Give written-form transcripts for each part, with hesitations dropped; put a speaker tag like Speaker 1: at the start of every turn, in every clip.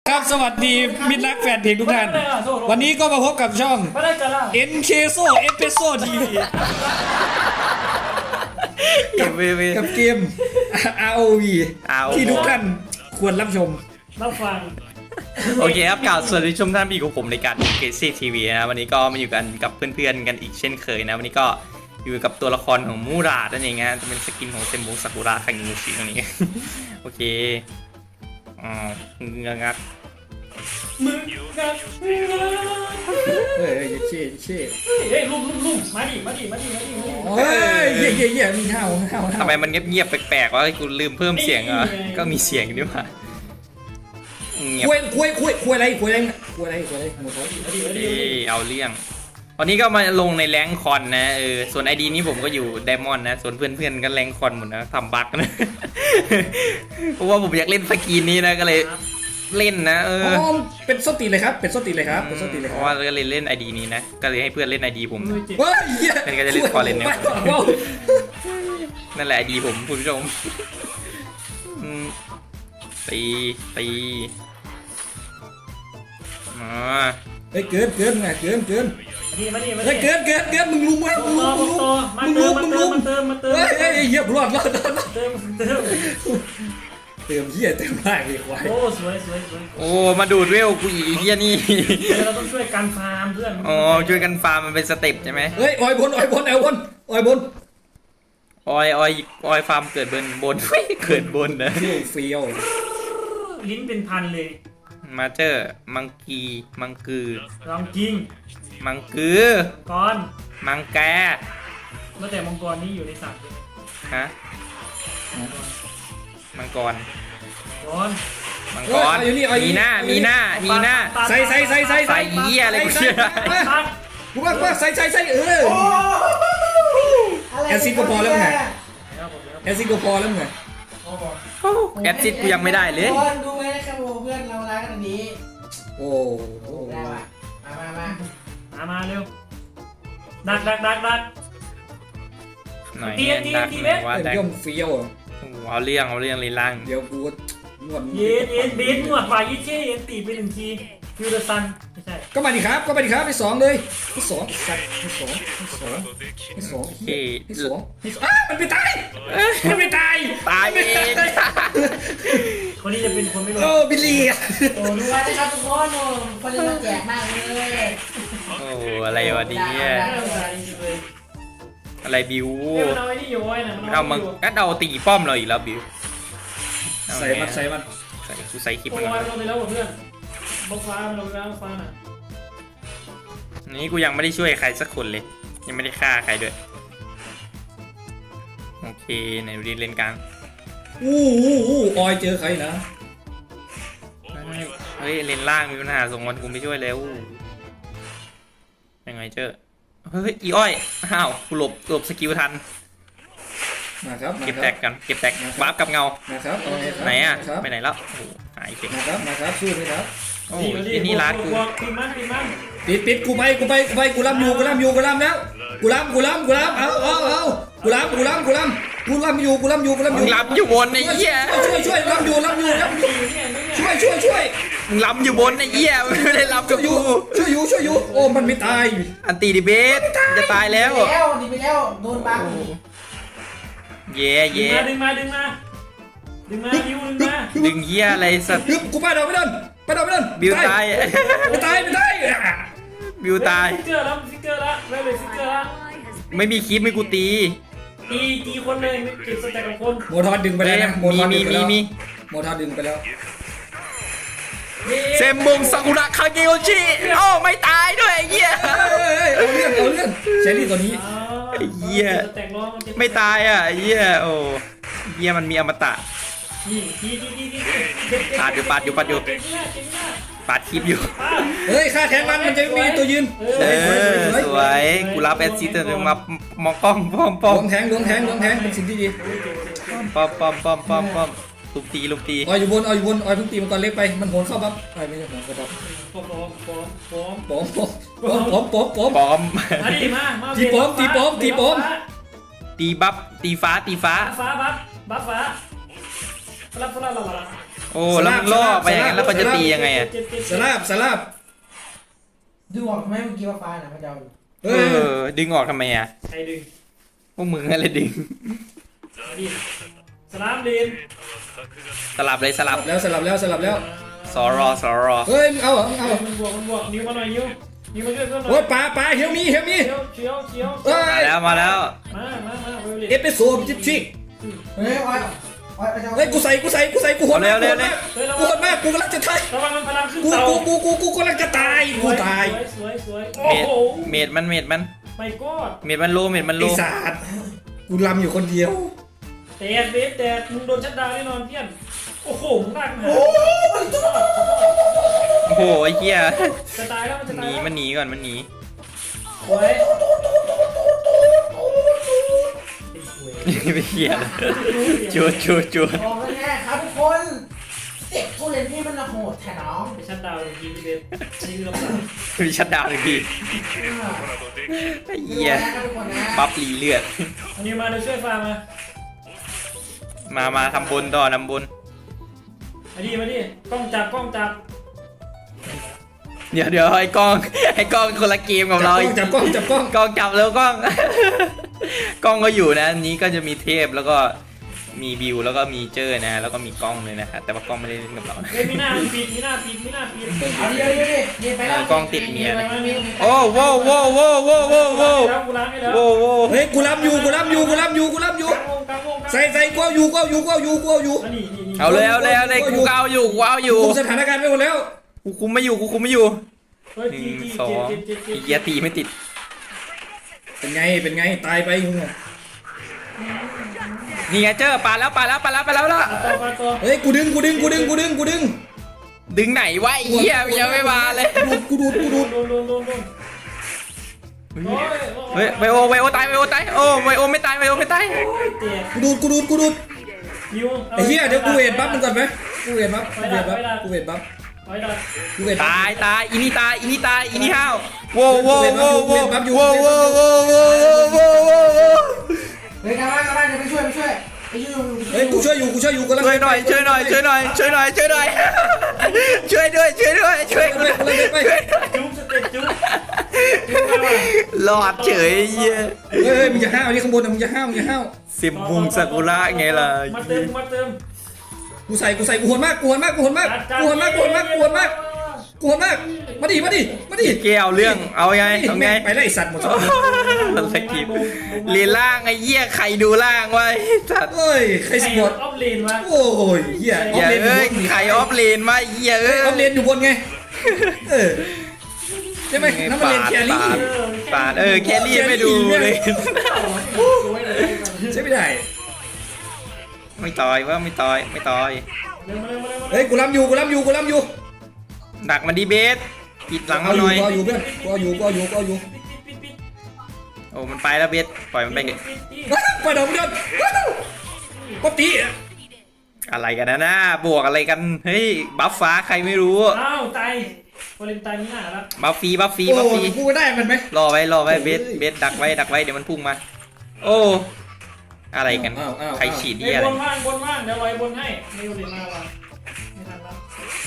Speaker 1: ครับสวัสดีมิตรรักแฟนเพลงทุกท่านวันนี้ก็มาพบกับช่อง NK So Espresso TV กับเกม ROV ที่ทุกท่านควรรับชม
Speaker 2: รับฟัง
Speaker 3: โอเคครับกล่าวสวัสดีชมท่านพี่ของผมในการ NK TV นะวันนี้ก็มาอยู่กันกับเพื่อนๆกันอีกเช่นเคยนะวันนี้ก็อยู่กับตัวละครของมูรานั่นเองนะจะเป็นสกินของเซมบุซากุระคังยูชิตรงนี้โอเคงัก
Speaker 2: มึงกัน
Speaker 1: เฮ้ยเช่
Speaker 2: เฮ้ยลุ่มมาดิ
Speaker 1: เฮ้ยเย่มีเห่า
Speaker 3: ทำไมมันเงียบๆแปลกๆวะกูลืมเพิ่มเสียงเหรอก็มีเสียงด้วยว่ะ
Speaker 1: คุยอะไรหมดเลย
Speaker 3: เอาเรื่องวันนี้ก็มาลงในแรงคอนนะส่วนไอดีนี้ผมก็อยู่ไดมอนด์นะส่วนเพื่อนๆก็แรงคอนหมดนะทำบั๊กนะเพราะว่าผมอยากเล่นสกีนนี้นะก็เลยเล่นนะ
Speaker 1: เป็นส้นตีเลยครับเพ
Speaker 3: ราะว่าก็เลยเล่นไอดีนี้นะก็เลยให้เพื่อนเล่นไอดีผม
Speaker 1: เฮ้ย
Speaker 3: เป็นก็จะเล่นคอเล่นเนี่ยนั่นแหละไอดีผมคุณผู้ชมตี
Speaker 1: เฮ้ยเกินเกินเฮ้ยเกินมึงลุมเฮ้ยเหยียบรอดเติมเหี้ยเติมมากเลยควาย
Speaker 2: โอ้สวย
Speaker 3: โอ้มาดูดเวลกูอีเหี้ยนี่
Speaker 2: เราต้องช่วยกันฟาร์มเพื่อน
Speaker 3: อ๋อช่วยกันฟาร์มมันเป็นสเต็ปใช่ไหม
Speaker 1: เฮ้ยออยบนออย
Speaker 3: ฟาร์มเกิดบนเกิดบนนะ
Speaker 1: เฟี้ยว
Speaker 2: ลิ้นเป็นพันเลย
Speaker 3: มาเจอมังกือ
Speaker 2: ลองจริง
Speaker 3: มังกือ
Speaker 2: ก่อน
Speaker 3: มังแก
Speaker 2: เมื่อแต่มังกรนี่อยู่ในสัตว์
Speaker 3: ฮะมังกรมีหน้า
Speaker 1: ใส่
Speaker 3: เหี้ยอะไรกูเชื่อ
Speaker 1: กูว่าใส่แอซิดก็พอแล้วไงแอซิด
Speaker 3: กูยังไม่ได้เลย
Speaker 4: ดูไหมครับเพื่อนเรารักกันนี้
Speaker 1: โอ้
Speaker 4: ได้ว่ะ
Speaker 2: มาเร็วดัก
Speaker 3: หน่อย
Speaker 1: ว่าแต่ย่อมเฟี้ยว
Speaker 3: เอาเรื่องลีล่าง
Speaker 1: เดี๋ยวกูนวด
Speaker 2: เย็นนวดฝ่ายยี่เช่ตีไป1 ทีฟิวเดอร์ซันไม่ใช่
Speaker 1: ก็มาดิครับไป2เลยไป2มันไม่ตาย
Speaker 2: คนนี้จะเป็นคนไม่รู้
Speaker 1: บิลลี่
Speaker 4: โอ้รู้ว่านะครับทุกคนคนนี้มันแจกมากเลย
Speaker 3: โอ้อะไรวะเนี่ยอะไรบิวเอามึงก็เอาตีป้อมเราอีกแล้วบิว
Speaker 1: ใส่มัน
Speaker 3: กูใส่คลิปมัน
Speaker 2: ลงไปแล้วเพื่อนบล็อกฟ้าลงแล้วฟ้าน่ะ
Speaker 3: นี่กูยังไม่ได้ช่วยใครสักคนเลยยังไม่ได้ฆ่าใครด้วยโอเคไหนดูดิเล่นกลาง
Speaker 1: ออยเจอใครนะ
Speaker 3: เฮ้ยเล่นล่างมีปัญหาส่งวันกูไม่ช่วยแล้วยังไงเจอเฮ้ยอีอ้อยอ้าวกูหลบสกิลทัน
Speaker 1: นะครับ
Speaker 3: เก็บแตกวาร์ปกับเงาไหนอ่ะไปไหนแล้วโอ้หายเก่ง
Speaker 1: นะครับสู้เลยครับ
Speaker 3: โอ้ยนี่ร้านกู
Speaker 1: ปิดกูไปกูล้ำแล้วกูล้ำเอากูล้ำอยู่
Speaker 3: บนไอ้เหี้ย
Speaker 1: ช่วยล้ำอยู่ช่วย
Speaker 3: มึงล้ำอยู่บนไอ้เหี้ยไม่ได้ล้ำกับกู
Speaker 1: ช่วยอยู่โอ้มันไม่ตาย
Speaker 3: อันตีดิเบสจะตายแล้ว
Speaker 4: ดีไปแล้วโดนบัง
Speaker 3: เย่
Speaker 2: ดึงมาดึง
Speaker 3: เหี้ยอะไรสัตว์
Speaker 1: กูไปโดน
Speaker 3: บิวตาย
Speaker 1: ไม่ตาย
Speaker 3: บิวตาย
Speaker 2: ฟิกเกอร์ละ
Speaker 3: ไม่มีคลิปไม่กูตี
Speaker 2: คนเลยไม่เก็บสแต็กกับคน
Speaker 1: โมทอดดึงไปแล้วนะ
Speaker 3: มี
Speaker 1: โมทอดดึงไปแล้ว
Speaker 3: เซมบุงซากุระคาเกโอชิโอ้ไม่ตายด้วยไอ้เหี้ย
Speaker 1: เอาเรื่องเชลลี่ตัวนี้
Speaker 3: ไอ้เหี้ยไม่ตายอ่ะไอ้เหี้ยโอ้เหี้ยมันมีอมตะปาดอยู่ปาดคลิปอยู่
Speaker 1: เฮ้ยค่าแทงมันจะมีตัวยืน
Speaker 3: สวยกูรับแอดซิสต์ถึงมามองกล้องป้อม
Speaker 1: ลงแทงเป็นสิ่งที่ดี
Speaker 3: ป้อมลุมตี
Speaker 1: ออยอยู่บนออยเพิ่งตีมันก่อนเล็กไปมันโหนเข้าปั๊บไม่ใช่โหนเข้าปั๊บป้อม
Speaker 2: มาดิมา
Speaker 1: ตีป้อม
Speaker 3: ตีบัฟตีฟ้า
Speaker 2: บัฟฟ้ารับ
Speaker 3: โอ้แล้วมันล่อไปอย่างนั้นแล้วมันจะตียังไงอะ
Speaker 1: สลับ
Speaker 4: ดูออกไหมเมื่อกี้ว่าฟ้าน่ะพระเจ้า
Speaker 3: เออดึงออกทำไมอะ
Speaker 2: ใครดึง
Speaker 3: พวกมึงอะไรดึง
Speaker 2: มาดิสลามดิน
Speaker 3: สลับเลยสลับ
Speaker 1: แล้วสลับแล้ว
Speaker 3: สอรอ
Speaker 1: เฮ้ยมึงเอาเหรอมึงเอาเหรอ
Speaker 2: มันบวกนิ้วมาหน่อยนิ้วมาช่วยเพื่อนหน่
Speaker 1: โอ้
Speaker 2: อย
Speaker 1: ยปลาเฮียวมี
Speaker 2: เชียว
Speaker 1: เอ้
Speaker 3: มาแล้ว
Speaker 2: มาไวโอเลต
Speaker 1: เอสเปรสโซ่ชิก
Speaker 4: เฮ้ยอ้อยพระเจ้า
Speaker 1: เฮ้ยกูใส่กูโหดมากกูกำลังจะตาย
Speaker 2: ระวังมันพลังขึ้น
Speaker 1: กู
Speaker 2: เตา
Speaker 1: กำลังจะตายกูตาย
Speaker 2: สวยโอ้โห
Speaker 3: เมดมัน
Speaker 2: ไม่กอด
Speaker 3: เมดมันโล
Speaker 1: ไอ้สัตว์กูลำอยู่คนเดียว
Speaker 2: แต่มึงโดนชัดดาวแน่นอนเพี้ยนโอ้โหมึงลากมา
Speaker 3: โอ้โหไอ้เหี้ย
Speaker 2: จะตายแล้วมันจะ
Speaker 3: ห
Speaker 2: ตาย
Speaker 3: นีมันหนีก่อนมันหนี
Speaker 2: สวย
Speaker 3: ไม่เหี้ยจูด
Speaker 4: บอกเลยแน่ครับทุกคนเด็กผู้เล่นนี่มันโหดแท้น้อง
Speaker 2: ชัดดาวยิงเบสยิงลงมา
Speaker 3: มีชัดดาวน์เลยพี่ไอ้เหี้ย
Speaker 4: ครับทุกคนนะ
Speaker 3: บัฟรีเลือด
Speaker 2: อันนี้มาเดี๋ยวช่วยฟาร์ม
Speaker 3: มาทำบุญต่อนำบุญ
Speaker 2: มาดิกล้องจับ
Speaker 3: เดี๋ยวไอ้กล้องคนละเกมกับเรา
Speaker 1: จับกล้อง
Speaker 3: กล้องจับแล้วกล้อง กล้องก็อยู่นะอันนี้ก็จะมีเทพแล้วก็มีบิวแล้วก็มีเจอนะแล้วก็มีกล้องเลยนะครับแต่ว่ากล้องไม่ได้เล่นกับเรา
Speaker 2: เฮ้ยมีหน้าปิด
Speaker 4: เอาเดี๋ยวดิไปแล้ว
Speaker 3: กล้องติดเมียนะ
Speaker 2: มี
Speaker 3: โอ้โว้
Speaker 2: แล้วกูล้างให้แล้ว
Speaker 1: เฮ้ยกูลำอยู่กลางวงใส่กูเอาอยู่
Speaker 2: นี่
Speaker 3: เอาเลยกูเอาอยู่
Speaker 1: คุมสถานการณ์ไม่หมดแล้ว
Speaker 3: กูคุมไม่อยู่
Speaker 2: เฮ้ย
Speaker 3: หนึ่งสองไอ้เหี้ยตีไม่ติด
Speaker 1: เป็นไงตายไปมึง
Speaker 3: นี่ไงเจอปาแล้ว
Speaker 2: ปาตัว
Speaker 1: เฮ้ยกูดึง
Speaker 3: ดึงไหนวะไอ้เหี้ยยังไม่มาเลย
Speaker 1: กูดูด
Speaker 2: โดน
Speaker 3: เฮ้ยไวโอตายโอ้ไวโอไม่ตาย
Speaker 2: เตะ
Speaker 1: กูดูด
Speaker 2: นิ้ว
Speaker 1: ไอ้เหี้ยเดี๋ยวกูเวทบัฟมึงก่อนไหมกูเวทบัฟ
Speaker 2: ไว้ดัก
Speaker 3: ตายอีนี่ห้าวโว้
Speaker 4: เฮ้ยกลับบ้านเดี๋ยวไปช่วยไปช่วย
Speaker 1: เฮ้ยกูช่วยอยู่กำลัง
Speaker 3: ช่วยหน่อยช่วยด้วย
Speaker 2: จุ๊บสเต็ปจุ๊บ
Speaker 3: หลอดเฉยเหี้ย
Speaker 1: เฮ้ยมึงอย่าห้าวนี่ข้างบนนะมึงอย่าห้าว
Speaker 3: สิบมุงซากุระไงล่ะ
Speaker 2: มาเติม
Speaker 1: กูใส่กูโหดมากมาดิ
Speaker 3: เกี่ยวเรื่องเอาไง
Speaker 1: ไปไล่สัตว์หมด
Speaker 3: สกิปเรียนล่างไอ้เหี้ยใครดูล่างไว้สัตว์
Speaker 1: เฮ้ยใครสปอร์ต
Speaker 2: ออฟเลนวะ
Speaker 1: โอ้ยเหี้ย
Speaker 3: อย่าเอ้ยใครออฟเลนมาเหี้ยเอ้ย
Speaker 1: ออฟเลนอยู่บนไงใช่ไหมน้ำมันเลนแครี่
Speaker 3: ปาดแครี่ไม่ดูเลย
Speaker 1: ใช่ไม่ได้
Speaker 3: ไม่ต่อยว่าไม่ต่อย
Speaker 1: เฮ้ยกูล้ำอยู่
Speaker 3: หนักมันดีเบสปิดหลัง
Speaker 1: เอา
Speaker 3: มา
Speaker 1: อ
Speaker 3: ห
Speaker 1: ยู่
Speaker 3: น่อย
Speaker 1: ก็อยู่เพื่อนก็อยู่
Speaker 3: โอ้มันไปแล้วเบสปล่อยมันไปเถอะ
Speaker 1: ไปเดี๋ยวมึงเดินป๊อปตี้
Speaker 3: อะไรกันนะบวกอะไรกันเฮ้ยบัฟฟ้าใครไม่รู้
Speaker 2: อ้าวตายโอลิมตายนี่หน้าแล้ว
Speaker 3: บัฟฟรี
Speaker 1: โอ้กูได้มันไหม
Speaker 3: รอไว้เบสดักไว้เดี๋ยวมันพุ่งมาโอ้อะไรกันใครฉีด
Speaker 2: ไอ้
Speaker 3: ที่อะไร
Speaker 2: บนว่างเดี๋ยวไว้บนให้ไม่โอลิมมาว่ะไม่ทันแล้ว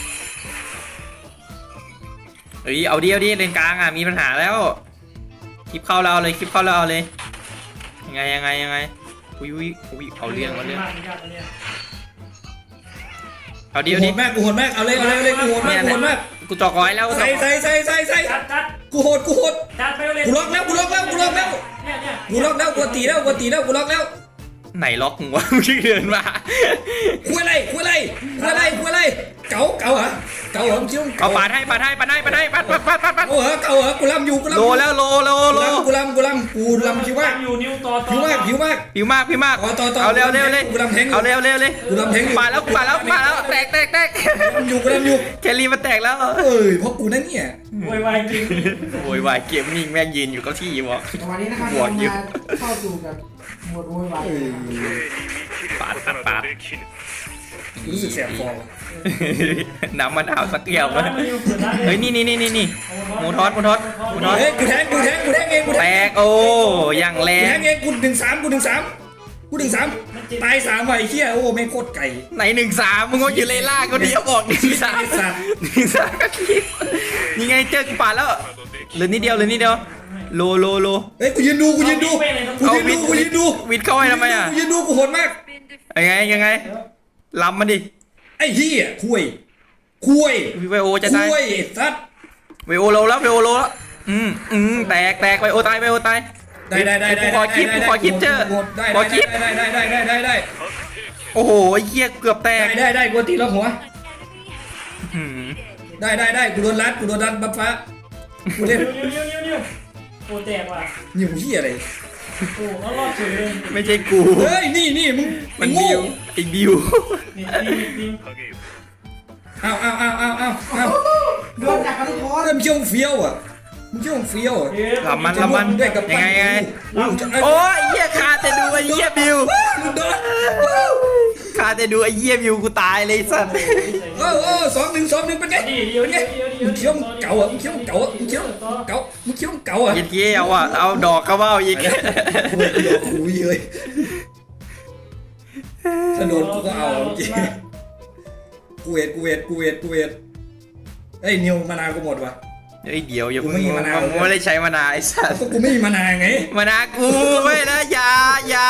Speaker 3: เฮ้ยเอาดิเลนกลางมีปัญหาแล้วคลิปเข้าเราเลยยังไงอุ้ยเอาเรื่องเอาดิ
Speaker 1: กูโหดมากเอาเลยกูโหดมาก
Speaker 3: กูจอกร้อยแล้ว
Speaker 1: ใส่
Speaker 2: จัด
Speaker 1: กูโหด
Speaker 2: จัดไปโอลิม
Speaker 1: กูล็อกแล้วกูล็อกแล้วกูล็อกตีแล้วกูล็อกแล้ว
Speaker 3: ไหนล็อกมึงวะมึงเดินมา
Speaker 1: คุยอะไรเก๋าเหรอมึงคิ้ว
Speaker 3: เอาปาดให้ปัด
Speaker 1: เก๋าเหรอกูลำอยู่
Speaker 3: โลแล้วโล
Speaker 1: กูลำคิ้วมาก
Speaker 2: อยู่นิ้วต่อ
Speaker 1: ผิวมาก
Speaker 3: ผิวมาก
Speaker 1: ต่อ
Speaker 3: เอาเร็วเลย
Speaker 1: กูลำแทง
Speaker 3: เอาเร็วเลย
Speaker 1: กูลำแทง
Speaker 3: ปาดแล้วแตก
Speaker 1: กูลำอยู่
Speaker 3: แคลรี่มันแตกแล้ว
Speaker 1: เพราะกูนั่นเนี่ย
Speaker 2: วายจริง
Speaker 3: โวยวายเกมมิ่งแม่งยืนอยู่เก้าที่บอก
Speaker 4: วันนี้นะครับเรามาเข้าสู่กับหมวดโวยวาย
Speaker 3: ปาด
Speaker 1: รู้สึกแสบคอ
Speaker 3: น้ำมะนาวสักแก้วมั้ยเฮ้ยนี่หมูทอด
Speaker 1: เฮ้ยกูแทงเอง
Speaker 3: แตกโอ้ยังแร
Speaker 1: กูแท
Speaker 3: ง
Speaker 1: งเองกูดึงสาม
Speaker 2: มัน
Speaker 1: ตาย3ใบเฮียโอ้ไม่โคตรไก่
Speaker 3: ไหน1-3มึงก็อยู่เลยล่าก็เดียวบอก1-3
Speaker 1: สัตว์
Speaker 3: 1-3ก็คิดนี่ไงเจอกูปาดแล้วเหลือนิดเดียวโล
Speaker 1: เฮ้ยกูยืนดูกูยืนดู
Speaker 3: วิดเข้าให้ทำไมอ่ะ
Speaker 1: กูยืนดูกูโหดมาก
Speaker 3: ยังไงลำมันดิ
Speaker 1: ไอ้เฮียคุย
Speaker 3: ไวโอจะตาย
Speaker 1: คุยสัตว์
Speaker 3: ไวโอโลแล้วแตกไวโอตายได้ขอคลิปเจอขอคลิป
Speaker 1: ได้
Speaker 3: โอ้โหเหี้ยเกือบแตก
Speaker 1: ได้กูตีแล้วหัวได้กูโดนรัดบัฟฟ้ากูเล่น
Speaker 2: นิ้วโอ้แตกว่ะ
Speaker 1: หิวเฮียอะไร
Speaker 2: โอ้เขารอดเฉยเลย
Speaker 3: ไม่ใช่กู
Speaker 1: เฮ้ยนี่มึง
Speaker 3: มันบิ
Speaker 1: โง่
Speaker 3: วไอ้บิว
Speaker 2: นี่
Speaker 1: เอา
Speaker 4: โดนจับกันทุกคน
Speaker 1: มึงเชี่ยวเฟี้ยวอ่ะ
Speaker 3: ลำมัน
Speaker 1: ด้วยกับ
Speaker 3: ยังไงโอ้ยเหี้ยคาแต่ดูไอ้เหี้ยบิว
Speaker 1: โดน
Speaker 3: คาแต่ดูไอ้เหี้ยบิวกูตายเลยสัตว์
Speaker 1: 2-1เป็นไงมึงเชี่ยวเก่าอ่ะมึงเชี่ยวเก่าเย็นเกี้ยว
Speaker 3: เอาดอกกระเบ้าอีก
Speaker 1: คุยเลยถ้าโดนกูก็เอาเมื่อกี้กูเวทเฮ้ยนิวมานาวกูหมดว่ะ
Speaker 3: เฮ้ยเดี๋ยวอย่า
Speaker 1: กูไม่มีมะนาว
Speaker 3: ไม่ได้ใช้มะนาวไอ้สัส
Speaker 1: ก็กูไม่มีมานาวไง
Speaker 3: มะนาวกูไม่นะอย่า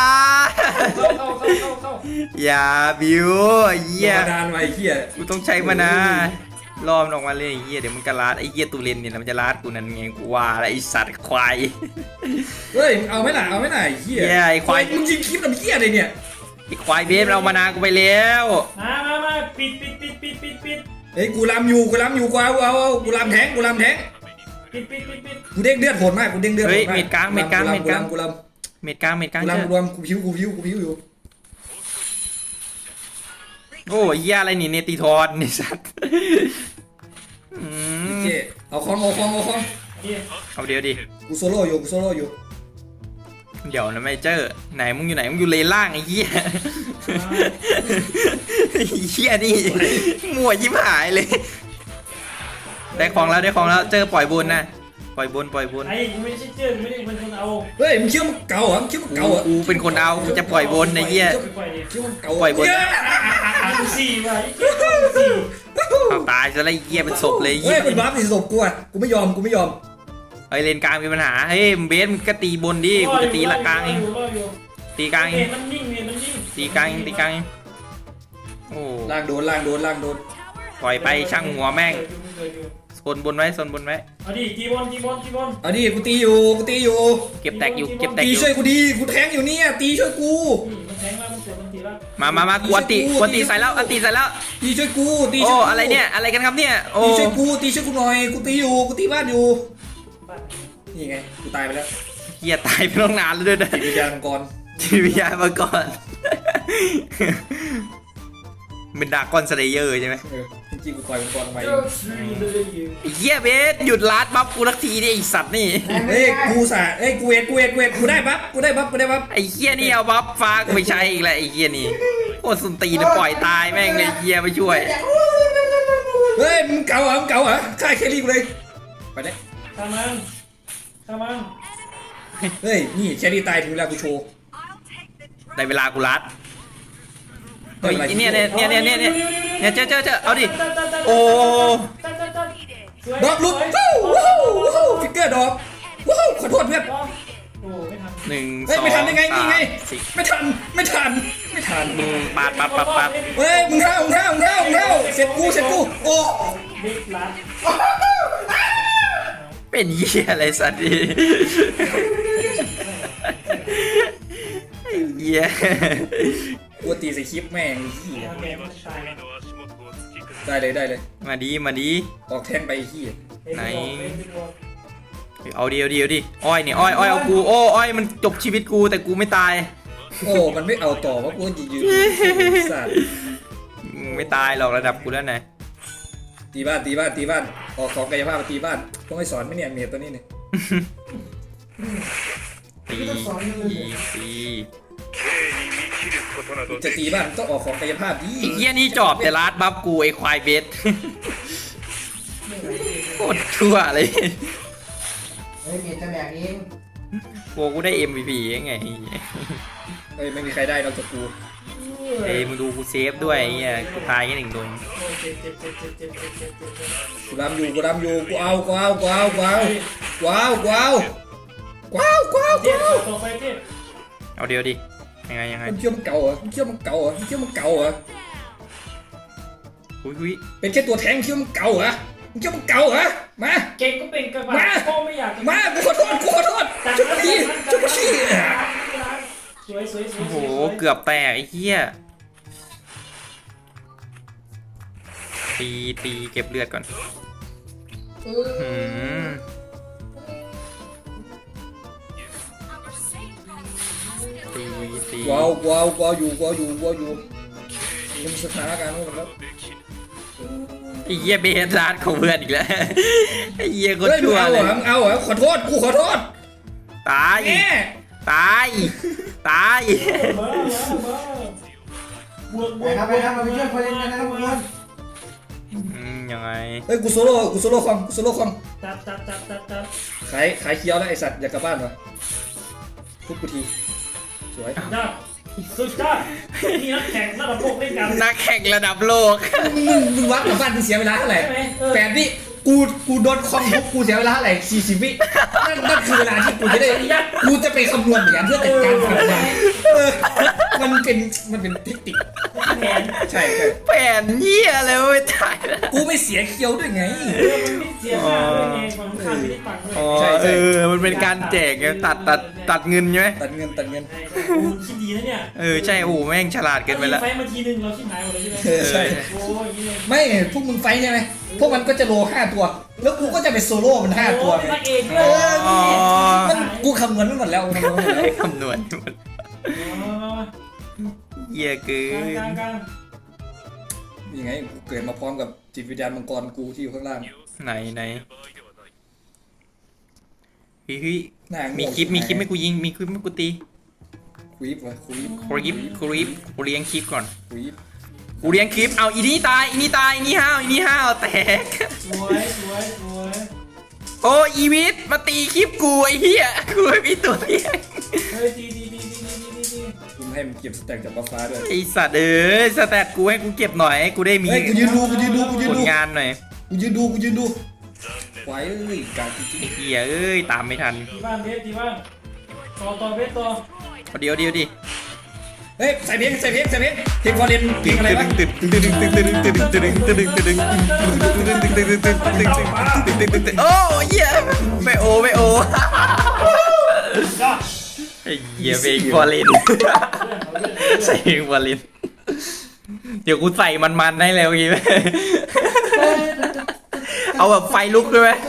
Speaker 2: เข้า
Speaker 3: อย่าบิวไอ้เหี้ย
Speaker 1: มาดานไว้เฮีย
Speaker 3: กูต้องใช้มะนาวรอมนออกมาเลยไอ้เหี้ยเดี๋ยวมันก็ลาดไอ้เหี้ยตูเรนเนี่ยมันจะลาดกูนั่นไงกูว่าแล้วไอ้สัตว์ควาย
Speaker 1: เฮ้ยเอาไม่หน่าเฮีย
Speaker 3: ไอ้ควาย
Speaker 1: มึงยิงคลิปทำเฮียอะไรเนี่ย
Speaker 3: ไอ้ควายเบสเอามะนาวกูไปแล้ว
Speaker 2: มาปิด
Speaker 1: เฮ้ยกูลำอยู่กูเอากูลำแทงกูเด้งเลือดโหดมากกูเด้งเลือด
Speaker 3: เฮ้ยเม็ดกลาง
Speaker 1: กูลำ
Speaker 3: เจอ
Speaker 1: กู
Speaker 3: เจอ
Speaker 1: กูพิวอยู่
Speaker 3: โอ้ยเหี้ยอะไรนี่เนติทอนนี่สัตว์
Speaker 1: เจ๊เอาของ
Speaker 3: เอาเดี๋ยวดิ
Speaker 1: กูโซโล่อยู่
Speaker 3: เดี๋ยวนะไม่เจอไหนมึงอยู่ไหนมึงอยู่เลนล่างไอ้เหี้ยเหี้ยนี่มั่วยิ้มหายเลยได้ของแล้วเจอปล่อยบนนะปล่อยบน
Speaker 2: ไอ้กูไม่ใช่เจอไม่ได้เป็นคนเอา
Speaker 1: เฮ้ยมึงเชื่อมันเก่าเหรอ
Speaker 3: กูเป็นคนเอากูจะปล่อยบนไอ้เหี้ย
Speaker 2: ปล่อยดิ
Speaker 1: เชื่อมันเก่า
Speaker 3: ปล่อยบน
Speaker 2: สี่ว่ะ
Speaker 3: เอาตายซะแล้วไอ้เหี้ยเป็นศพเลย
Speaker 1: เฮ้ยเป็นบัฟสิศพกูอ่ะกูไม่ยอม
Speaker 3: เฮ้ยเลนกลางมีปัญหาเฮ้ยเบสมึงก็ตีบนดิกูจะตีละกลางเองตีกลางเอง
Speaker 2: มันนิ่ง
Speaker 3: ตีกลางเองโอ้
Speaker 1: ล่างโดน
Speaker 3: ปล่อยไปช่างหัวแม่งโซนบนไว้
Speaker 2: เอาดิตีบอล
Speaker 1: เอาดิกูตีอยู่
Speaker 3: เก็บแตกอยู่
Speaker 1: ตีช่วยกูดีกูแทงอยู่เนี่ยตีช่วยกู
Speaker 2: มันแทงแล้วมันเสียมันตีแล้ว
Speaker 3: มากวนตีใส่แล้วตีใส่แล้ว
Speaker 1: ตีช่วยกู
Speaker 3: โอ้อะไรเนี่ยอะไรกันครับเนี่ยโอ้
Speaker 1: ตีช่วยกูหน่อยกูตีอยู่กูตีบ้านอยู่นี่ไงกูตายไปแล้ว
Speaker 3: เหี้ยตายไปตั้งนานแล้วด้วยนะ
Speaker 1: จิตวิญญาณมังกร
Speaker 3: จิตวิญญาณมาก่อนเป็นดากอนสเลเยอร์ใช่ไหม
Speaker 1: จริงๆกูต่อยมังกรทำไม
Speaker 3: ไอ้เหี้ยเบสหยุดลาดบัฟกูทักทีดิไอ้สัตว์นี่
Speaker 1: เฮ้ยกูเวทกูได้บัฟ
Speaker 3: ไอ้เหี้ยนี่เอาบัฟฟ้ากูไปใช้อีกแล้วไอ้เหี้ยนี่โคตรสุนตีนปล่อยตายแม่งเลยเหี้ยไม่ช่วย
Speaker 1: เฮ้ยมึงเก่าเหรอฆ่าแครี่กูเลยไปเนี่ย
Speaker 2: ทำมัน
Speaker 1: เฮ้ยนี่แครี่ตายถึงเวลากูโชว์
Speaker 3: ในเวลากูลัดเฮ้ยเนี่ยเจอเอาดิโอ้
Speaker 1: ดอกลุกฟิกเกอร์ดอกขอโทษเพื่อน
Speaker 2: โอ้ไม่ทัน
Speaker 3: 1
Speaker 1: เฮ้ยไม่ทันได้ไงนี่ไง
Speaker 3: 4
Speaker 1: ไม่ทัน
Speaker 3: ปาด
Speaker 1: เฮ้ยมึงเข้าเสร็จกูโอ้
Speaker 2: บิ๊กลัด
Speaker 3: เป็นเหี้ยอะไรสัตว์ดิเหี้ย
Speaker 1: กูตีใส่คลิปแม่งเหี้ย
Speaker 2: แกมันตาย
Speaker 1: ได้เลย
Speaker 3: มาดี
Speaker 1: ออกแทนไปเหี้ย
Speaker 3: เอาดิอ้อยเนี่ยอ้อยเอากูโอ้อ้อยมันจบชีวิตกูแต่กูไม่ตาย
Speaker 1: โอ้มันไม่เอาต่อเพราะกูยืนสัตว์
Speaker 3: ไม่ตายหรอกระดับกูแล้วนะ
Speaker 1: ตีบ้านออกของกายภาพมาตีบ้านต้องให้สอนไหมเนี่ยเมียตัวนี้เนี่ย
Speaker 3: ตี
Speaker 1: จะตีบ้านต้องออกของกายภาพดี
Speaker 3: ไอ้เหี้ยนี่จอบแต่ลาดบัฟกูไอ้ควายเบสโคตรชั่วเลย
Speaker 4: เฮ้ยเมียจะแบกเอง
Speaker 3: กูได้ MVP ยังไง
Speaker 1: เฮ้ยไม่มีใครได้นอกจากกู
Speaker 3: เอ้ยมึงดูกูเซฟด้วยไอ้เหี้ยกูตายแค่หนึ่งโดน
Speaker 2: โอ้ยเจ็บ
Speaker 1: กูดำอยู่กูเอา
Speaker 2: เจ็บต่อไปเจ็บ
Speaker 3: เอาเดียวดิยังไง
Speaker 1: มันเชื่อมันเก่าเหรอ
Speaker 3: อุ้ย
Speaker 1: เป็นแค่ตัวแทงเชื่อมันเก่าเหรอมา
Speaker 2: เก่งก็เป็นกระบะพ่อไม่อยาก
Speaker 1: กูขอโทษจุกชี้
Speaker 2: สวย
Speaker 3: โอ้โหเกือบแตกไอ้เหี้ยตีเก็บเลือดก่อนตี
Speaker 1: กูอยู่มันสถานการณ์มันแล้ว
Speaker 3: ไอ้เหี้ยเบสร้านของเพื่อนอีกแล้วไอ้เหี้ยก็ชั่วเลย
Speaker 1: เอาเหรอขอโทษ
Speaker 3: ตายบ
Speaker 2: วก
Speaker 4: ไปครับมาไปช่วยคนเล่นกันนะครับทุกคน
Speaker 3: ยังไง
Speaker 1: เฮ้ยกูโซโล่คอม
Speaker 2: จับ
Speaker 1: ขายเคี้ยวแล้วไอสัตว์อยากกลับบ้านวะทุบกูทีสวย
Speaker 2: สุดยอดนี่นักแข่งระดับโลกเล่นกัน
Speaker 3: นักแข่งระดับโลก
Speaker 1: มึงวัดกลับบ้านมึงเสียเวลาเท่าไหร่8 วิกูโดนคอมทุบกูเสียเวลาเท่าไหร่40 วินั่นคือเวลาที่กูจะไปคำนวณอย่างเพื่อจัดการทำงานมันเป็นเทคนิค
Speaker 2: แผน
Speaker 1: ใช่
Speaker 3: แผ่นเหี้ยอะไรไม่ตายแล้ว
Speaker 1: กูไม่เสียเคี้ยวด้วยไง
Speaker 2: มันไม่เสียค่าด้วยไงฝั่งข้ามไม่ได้ตังค์ด้วย
Speaker 3: มันเป็นการแจกไงตัดเงินใช่ไหม
Speaker 1: ตัดเงิน
Speaker 2: กูคิดดีนะเนี่ย
Speaker 3: ใช่โอ้แม่งฉลาดเกินไปแล้ว
Speaker 2: ไฟมาทีนึงเราชิบหายหมดเลยใช่ไหม
Speaker 1: ใช่
Speaker 2: โอ้ยนี่เลย
Speaker 1: ไม่พวกมึงไฟใช่ไหมพวกมันก็จะโล5 ตัว แล้วกูก็จะไปโซโล่มัน5 ตัว
Speaker 2: พระเอกด้วย
Speaker 1: มันกูคำนวณไม่หมดแล้ว
Speaker 3: คำนวณหมดเหี้ยเกิน
Speaker 2: กลาง
Speaker 1: ยังไงกูเกิดมาพร้อมกับจิตวิญญาณมังกรกูที่อยู่ข้างล่าง
Speaker 3: ไหนเฮ้ย
Speaker 1: หน้า
Speaker 3: มีคลิปให้กูยิงมีคลิปให้กูตี
Speaker 1: คุย
Speaker 3: กูเลี้ยงคลิปก่อน
Speaker 1: คุย
Speaker 3: กูเลี้ยงคลิปเอาอีนี่ตายอีนี่ห้าวแตก
Speaker 2: สวย
Speaker 3: โอ้อีวิทมาตีคลิปกูไอ้เหี้ยกูไม่มีตัวเลี้ยง
Speaker 2: เฮ้ยดี
Speaker 1: กูให้มันเก็บสแต็กจากฟ้าด้วย
Speaker 3: ไอสัตว์สแตทกูให้กูเก็บหน่อยให้กูได้มี
Speaker 1: เฮ้ยกูยืนดู
Speaker 3: ผลงานหน่อย
Speaker 1: กูยืนดูไว้การจริง
Speaker 3: ไอ้เหี้ยตามไม่ทัน
Speaker 2: ตีบ้านเบสตีบ้านต่อเบสต่อ
Speaker 3: เดี๋ยวดิ
Speaker 1: เฮ้ยใส่เพลงเพลงวอลเลนเพลงอะไรวะ
Speaker 3: โอ้เหี้ยไม่โอไอ้เหี้ยเพลงวอลเลนใส่เพลงวอลเลนเดี๋ยวกูใส่มันให้แล้วงี้ไหมเอาแบบไฟลุกด้วยไหม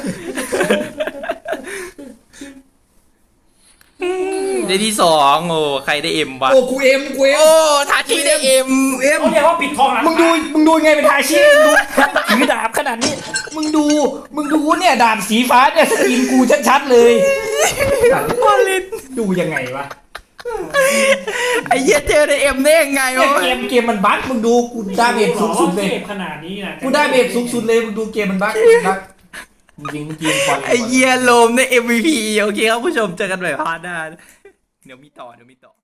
Speaker 3: ได้ที่2โอ้ใครได้เอ็มวะ
Speaker 1: โอ้กูเอ็ม
Speaker 3: โอ้ทาชิได้เอ็ม
Speaker 2: เขาเรียกว่าปิดทองหลัง
Speaker 1: มึงดูไงเป็นทาชิถือดาบขนาดนี้มึงดูเนี่ยดาบสีฟ้าเนี่ยสกินกูชัดๆเลยว
Speaker 3: อลเลน
Speaker 1: ดูยังไงวะ
Speaker 3: ไอ้เหี้ยเจอได้เอ็มได้ยังไงวะ
Speaker 1: เกมมันบั๊กมึงดูกูดาเมจสูงสุดเลย
Speaker 2: ขนาดนี้นะ
Speaker 1: กูได้เมจสูงสุดเลยมึงดูเกมมันบั๊กจริงก่อน
Speaker 3: ไอ้เหี้ยโลมใน MVP โอเคครับผู้ชมเจอกันใหม่พาร์ทหน้าเดี๋ยวมีต่อ